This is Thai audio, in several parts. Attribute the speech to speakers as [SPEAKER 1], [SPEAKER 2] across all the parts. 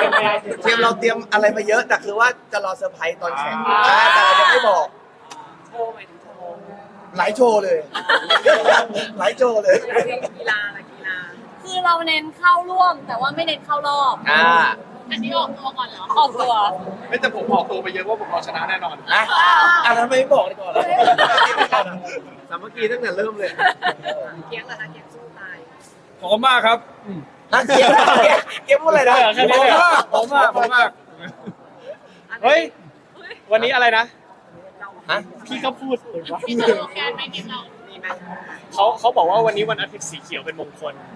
[SPEAKER 1] ทีมเราเตรียมอะไรมาเยอะแต่คือว่าจะรอเซอร์ไพรส์ตอนแข่งแต่เรายังไม่บอก
[SPEAKER 2] โชว์หมายถึงโชว์
[SPEAKER 1] หลายโชว์เลยหลายโชว์เลย
[SPEAKER 2] กีฬาอะไรกีฬา
[SPEAKER 3] คือเราเน้นเข้าร่วมแต่ว่าไม่เน้นเข้ารอบ อันนี้ออกตัวก่อนเหรอออกตัว
[SPEAKER 4] ไม่แต่ผมออกตัวไปเยอะว่าผมเอาชนะแน่นอน
[SPEAKER 1] นะทำไมไม่บอกดีก่อนล่ะสามัคคีตั้งแต่เริ่มเลย
[SPEAKER 2] เกียงเหรอคะเกียงสู้ตาย
[SPEAKER 4] ขอบคุณมากครับ
[SPEAKER 1] เกียร์พูดอะไรนะ
[SPEAKER 4] ผมมากเฮ้ยวันนี้อะไรนะ
[SPEAKER 1] ฮะ
[SPEAKER 4] พี่ก็พูด
[SPEAKER 3] พี่จะลงแกนไหมทีมเรา
[SPEAKER 2] มีไหม
[SPEAKER 4] เขาบอกว่าวันนี้วันอาทิตย์สีเขียวเป็นมงคล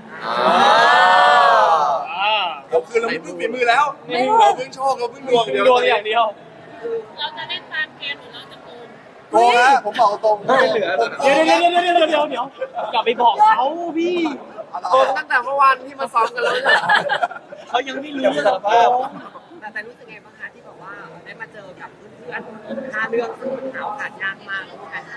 [SPEAKER 5] เราคือเราไม่พึ่งฝีมือแล้วเราพึ่งโชคเราพึ่งดวง
[SPEAKER 4] ดวงอย่างเดียว
[SPEAKER 3] เราจะเล่นตามเกมหรือเราจะโกง
[SPEAKER 5] โกงนะผมบอกตรง
[SPEAKER 1] ไม่เหลือ
[SPEAKER 4] เดี๋ยวอย่าไปบอกเขาพี่
[SPEAKER 2] โกงตั้งแต่เมื่อวานที่มาซ้อมกันแล้วเนี่ย
[SPEAKER 4] เขายังไม่รู้
[SPEAKER 1] อย่าไปสารภาพ
[SPEAKER 2] แต่รู้สึกไงบ้างคะที่บอกว่าได้มาเจอกับเพื่อนๆ5เรื่องซึ่งมันหาโอกาสยากมากแล้วกัน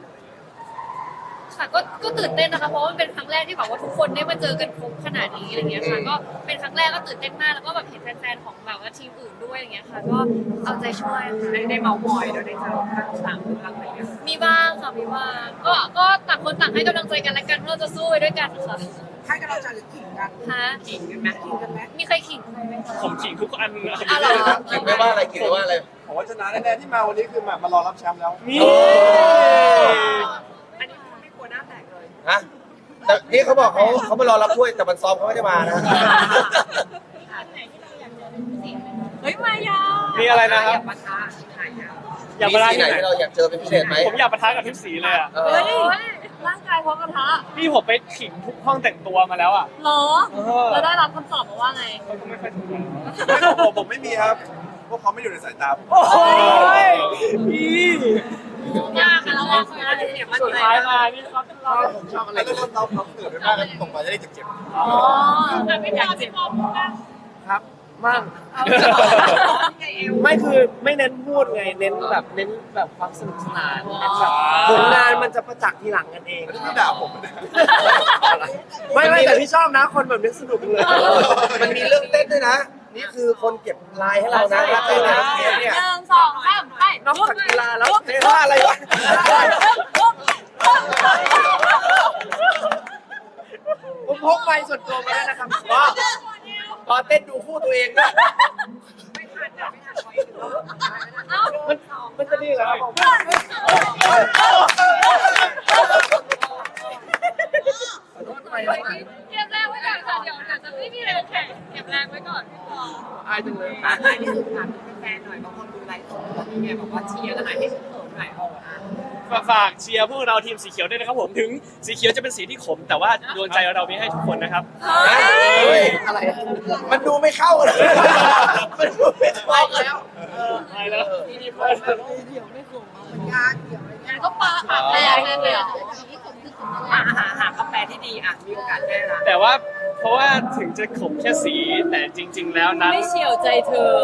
[SPEAKER 3] ค่ะก็ตื่นเต้นนะคะเพราะว่ามันเป็นครั้งแรกที่แบบว่าทุกคนได้มาเจอกันครบขนาดนี้อะไรเงี้ยค่ะก็เป็นครั้งแรกก็ตื่นเต้นมากแล้วก็แบบเห็นแฟนๆของแบบว่าทีมอื่นด้วยอะไรเงี้ยค่ะก็เอาใจช่วยค่ะ
[SPEAKER 2] ได้เมาส์มอยแล้วได้เจอข้างหลังเรื่องอะไรเงี้ย
[SPEAKER 3] มีบ้างค่ะมีบ้างก็ต่างคนต่างให้กำลังใจกันและกันเพื่อจะสู้ไปด้วยกันค่ะ
[SPEAKER 2] ให้กำลังใจหรือขิงกัน
[SPEAKER 3] ฮะ
[SPEAKER 2] ขิงกันไหมขิงกันไหม
[SPEAKER 3] มีใครขิงใครไหมคะ
[SPEAKER 4] ผมขิงทุกอัน
[SPEAKER 3] อะไร
[SPEAKER 1] เก่งไม่ว่าอะไรเก่งไม่ว่าอะไร
[SPEAKER 5] ผมว่าชนะแน่ๆที่มาวันนี้คือมารอรับแชมป์แล้ว
[SPEAKER 4] นี่
[SPEAKER 2] อันนี้ไม่กลัวหน้าแตกเลย
[SPEAKER 1] ฮะแต่นี่เขาบอกเขามารอรับถ้วยแต่มันซ้อมเขาไม่ได้มานะ
[SPEAKER 3] เฮ้ยมายา
[SPEAKER 4] มีอะไรนะครับ
[SPEAKER 2] อย่าปะทะไหนอ่ะ
[SPEAKER 4] อยาก
[SPEAKER 1] มี
[SPEAKER 4] มาร้าน
[SPEAKER 1] สีไหน
[SPEAKER 4] ที่ไหน
[SPEAKER 1] ที่เราอยากเจอเป็นพิเศษไหม
[SPEAKER 4] ผมอยากปะทะกับทิพสีเลยอ่ะ
[SPEAKER 3] เฮ้ยร่างกายพร้อมกระทะ
[SPEAKER 4] พี่ผมไปขิงทุกห้องแต่งตัวมาแล้วอ่ะ
[SPEAKER 3] เหรอแล้วได้รับคำตอบมาว่าไง
[SPEAKER 4] ก็ไม่ค่อยถูก
[SPEAKER 5] ผมไม่มีครับพวกเขาไม่อยู่ในสายตาผม
[SPEAKER 4] โอ้ยพี่
[SPEAKER 3] ยากค่ะเราว่าคนละ
[SPEAKER 2] เนี่ยมัน
[SPEAKER 4] สุดท้ายมานี่ครับเรา
[SPEAKER 5] ผมชอบอะไรก็เราเกิดไปบ้างแล้วตกมาจะได้เจ็บ
[SPEAKER 3] อ๋อแต่ไม่อยากจะพร้อมกัน
[SPEAKER 6] ครับมั่งไม่คือไม่เน้นพูดไงเน้นแบบความสนุกสนานเน้นแบบผลงานมันจะประจักษ์ทีหลังกันเอง
[SPEAKER 5] ๆที่ด่าผมนะ
[SPEAKER 6] ไม่แต่พี่ชอบนะคนแบบนี้สนุกเลย
[SPEAKER 1] มันมีเรื่องเต้นด้วยนะ นี่คือคนเก็บลายให้เรานะเต้นในเทปเนี่ย
[SPEAKER 3] 1 2 3ไป
[SPEAKER 6] นอกจากกีฬาแล้ว
[SPEAKER 1] ท่าอะไรวะผมพกไปส่วนตัวมาแล้วนะครับพอเต้นดูคู่ตัวเองด้วย
[SPEAKER 2] ไม่ทันอ่ะไม่ทันไว้ถึงแล้ว
[SPEAKER 3] เอ้า
[SPEAKER 6] มันจะดีเหรอครับผม
[SPEAKER 3] เก็บแรงไว้ก่อนค่ะเดี๋ยวจะไม่มีแรงแข่งเก็บแรงไว้ก่อน
[SPEAKER 6] อายจังเลย
[SPEAKER 2] ท้ายที่สุดค่ะแฟนหน่อยบางคนดูไลฟ์สดนี่ไงบอกว่าเชียร์กันหน่อยให้ฉันเขินหน่อย
[SPEAKER 4] ฝากเชียร์พวกเราทีมสีเขียวด้วยนะครับผมถึงสีเขียวจะเป็นสีที่ขม แต่ว่าดวงใจเรามีให้ทุกคนนะครับ
[SPEAKER 1] เฮ้ยอะไรมันดูไม่เข้าเลยมันดูไม่เข้าแล้ว
[SPEAKER 4] ไปแล้ว
[SPEAKER 2] ยากเกี่ยวอะไร
[SPEAKER 3] งั้นก็ปาแรงเลยอ่ะ
[SPEAKER 2] หากาแฟที่ดีอ่ะมีโอกาสแน่ละ
[SPEAKER 4] แต่ว่าเพราะว่าถึงจะขมแค่สีแต่จริง ๆ แล้วนั้น
[SPEAKER 3] ไม่เฉียวใจเธอ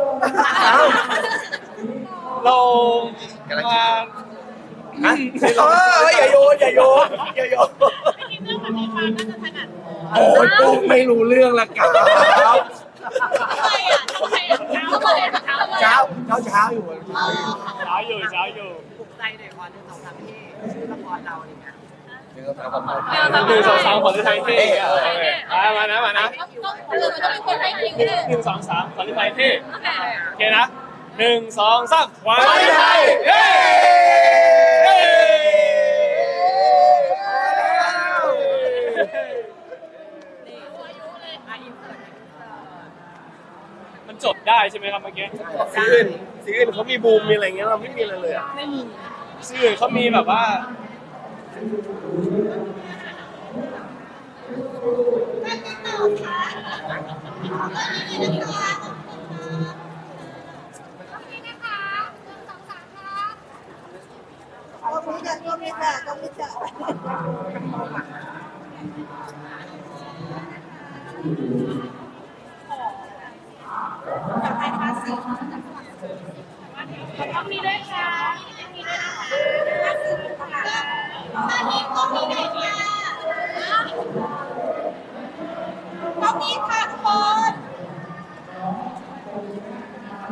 [SPEAKER 4] เรามา
[SPEAKER 1] ฮะอย่าโยนอย่าโยนอย่าโยน
[SPEAKER 3] ทีเรื่องแบบนี้มาก็จะถนัด
[SPEAKER 1] โอ้ยปุ๊กไม่รู้เรื่องละครับ
[SPEAKER 3] ทำไมอ่ะทำไมอ่ะทำไมอ่ะทำไม
[SPEAKER 1] เช้า
[SPEAKER 3] อ่ะ
[SPEAKER 1] เช้าอยู่
[SPEAKER 4] เช้าอยู่
[SPEAKER 2] ปลุกใจหน่อยก่อน1 2 3ที่ชื่อละครเราเนี่ย
[SPEAKER 4] หนึ่งสองสามขอไทยเท่มานะ
[SPEAKER 3] ต้องเป็นคนให้คิวเลย
[SPEAKER 4] หนึ่งสองสามขอไทยเท่
[SPEAKER 3] โอเค
[SPEAKER 4] โอเคนะหนึ่งสองสามวันไทยเย้ มันจบได้ใช่ไหมครับเมื่อกี้
[SPEAKER 6] สีอื่นเขามีบูมมีอะไรเงี้ยเราไม่มีอะไรเลยอ่ะ
[SPEAKER 4] ชื่อเขามีแบบว่า
[SPEAKER 3] ต้องมีด้วยค่ะมีด้วยนะคะต้องมีค่ะทุกคน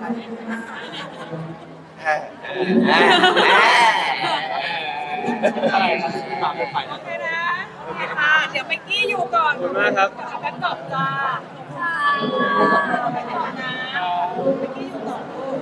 [SPEAKER 4] อะไรครับฝากเป็นฝ่าย
[SPEAKER 7] โอเคนะโอเคค่ะ เดี๋ยวเมกกี้อยู่ก่อน
[SPEAKER 4] ขอบคุณมากครับ
[SPEAKER 7] เอาแป๊บตอบจ้า
[SPEAKER 3] ค่ะ
[SPEAKER 7] ไปก่อนนะเมกกี้อยู่ก่อน